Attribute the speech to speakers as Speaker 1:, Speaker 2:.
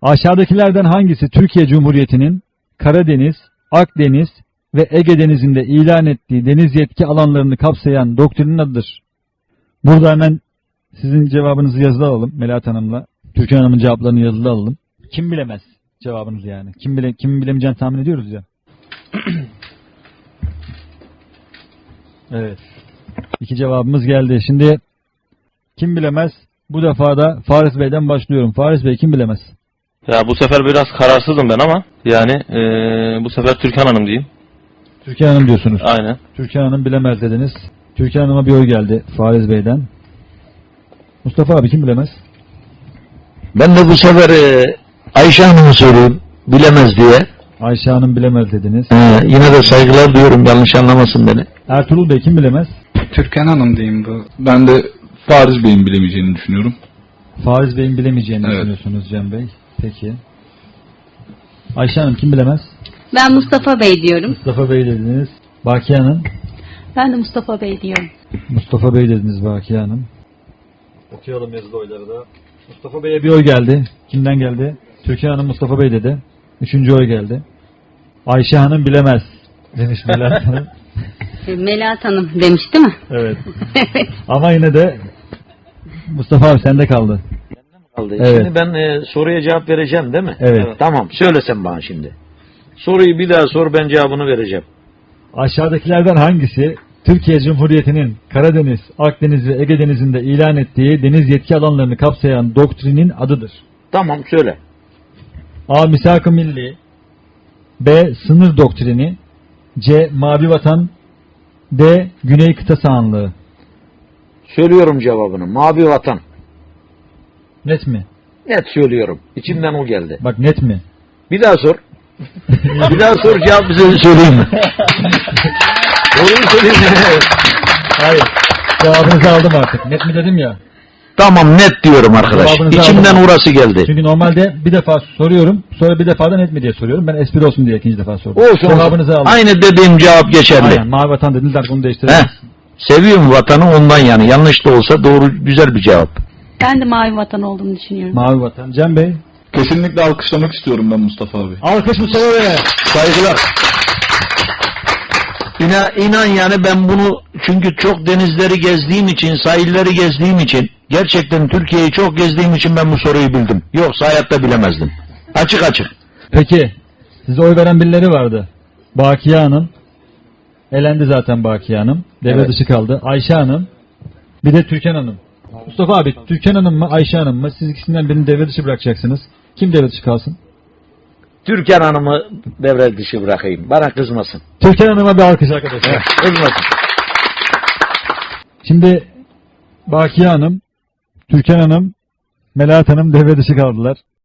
Speaker 1: Aşağıdakilerden hangisi Türkiye Cumhuriyeti'nin Karadeniz, Akdeniz ve Ege Denizi'nde ilan ettiği deniz yetki alanlarını kapsayan doktrinin adıdır? Burada hemen sizin cevabınızı yazılı alalım Melahat Hanım'la. Türkan Hanım'ın cevaplarını yazılı alalım. Kim bilemez cevabınız yani. Kimin bilemeyeceğini tahmin ediyoruz ya. Evet. İki cevabımız geldi. Şimdi kim bilemez? Bu defa da Faris Bey'den başlıyorum. Faris Bey kim bilemez?
Speaker 2: Ya bu sefer biraz kararsızım ben ama yani bu sefer Türkan Hanım diyeyim.
Speaker 1: Türkan Hanım diyorsunuz.
Speaker 2: Aynen.
Speaker 1: Türkan Hanım bilemez dediniz. Türkan Hanım'a bir oy geldi Faris Bey'den. Mustafa abi kim bilemez?
Speaker 3: Ben de bu sefer Ayşe Hanım'ı söyleyeyim. Bilemez diye.
Speaker 1: Ayşe Hanım bilemez dediniz.
Speaker 3: Yine de saygılar duyuyorum. Yanlış anlamasın beni.
Speaker 1: Ertuğrul Bey kim bilemez?
Speaker 4: Türkan Hanım diyeyim bu. Ben de Faris Bey'in bilemeyeceğini düşünüyorum.
Speaker 1: Faris Bey'in bilemeyeceğini
Speaker 4: Evet.
Speaker 1: düşünüyorsunuz Cem Bey. Peki. Ayşe Hanım kim bilemez?
Speaker 5: Ben Mustafa Bey diyorum.
Speaker 1: Mustafa Bey dediniz. Bakiye Hanım?
Speaker 5: Ben de Mustafa Bey diyorum.
Speaker 1: Mustafa Bey dediniz Bakiye Hanım. Okuyalım yazılı oyları da. Mustafa Bey'e bir oy geldi. Kimden geldi? Türkan Hanım Mustafa Bey dedi. Üçüncü oy geldi. Ayşe Hanım bilemez demiş Melahat Hanım.
Speaker 5: Melahat Hanım demiş değil mi?
Speaker 1: Evet. Ama yine de Mustafa abi sende kaldı.
Speaker 3: Kaldı.
Speaker 1: Evet.
Speaker 3: Şimdi ben soruya cevap vereceğim değil mi?
Speaker 1: Evet.
Speaker 3: Tamam. Söylesen bana şimdi. Soruyu bir daha sor, ben cevabını vereceğim.
Speaker 1: Aşağıdakilerden hangisi Türkiye Cumhuriyeti'nin Karadeniz, Akdeniz ve Ege Denizi'nde ilan ettiği deniz yetki alanlarını kapsayan doktrinin adıdır?
Speaker 3: Tamam, söyle.
Speaker 1: A. Misak-ı Milli, B. Sınır doktrini, C. Mavi Vatan, D. Güney Kıta Sahanlığı.
Speaker 3: Söylüyorum cevabını. Mavi Vatan.
Speaker 1: Net mi?
Speaker 3: Net söylüyorum. İçimden o geldi.
Speaker 1: Bak net mi?
Speaker 3: Bir daha sor. Bir daha sor, cevabı söyleyeyim mi? Doğruyu söyleyeyim mi?
Speaker 1: Hayır. Cevabınızı aldım artık. Net mi dedim ya.
Speaker 3: Tamam, net diyorum arkadaş.
Speaker 1: Cevabınızı
Speaker 3: İçimden
Speaker 1: aldım.
Speaker 3: orası geldi.
Speaker 1: Çünkü normalde bir defa soruyorum. Sonra bir defa da net mi diye soruyorum. Ben espri olsun diye ikinci defa sordum.
Speaker 3: Olsun.
Speaker 1: Cevabınızı aldım.
Speaker 3: Aynı dediğim cevap geçerli.
Speaker 1: Aynen. Mavi Vatan dediniz artık onu değiştirelim.
Speaker 3: Seviyorum vatanı ondan yani. Yanlış da olsa doğru, güzel bir cevap.
Speaker 5: Ben de Mavi Vatan olduğunu düşünüyorum.
Speaker 1: Mavi Vatan. Cem Bey.
Speaker 4: Kesinlikle alkışlamak istiyorum ben Mustafa abi.
Speaker 1: Alkış Mustafa Bey'e.
Speaker 3: Saygılar. İnan yani ben bunu çünkü çok denizleri gezdiğim için, sahilleri gezdiğim için, gerçekten Türkiye'yi çok gezdiğim için ben bu soruyu bildim. Yoksa hayatta bilemezdim. Açık açık.
Speaker 1: Peki. Size oy veren birileri vardı. Bakiye Hanım. Elendi zaten Bakiye Hanım. Devre
Speaker 3: Evet.
Speaker 1: dışı kaldı. Ayşe Hanım. Bir de Türkan Hanım. Mustafa abi Türkan Hanım mı Ayşe Hanım mı? Siz ikisinden birini devre dışı bırakacaksınız. Kim devre dışı kalsın?
Speaker 3: Türkan Hanım'ı devre dışı bırakayım. Bana kızmasın.
Speaker 1: Türkan Hanım'a bir alkış arkadaşlar.
Speaker 3: Kızmasın.
Speaker 1: Şimdi Bakiye Hanım, Türkan Hanım, Melahat Hanım devre dışı kaldılar.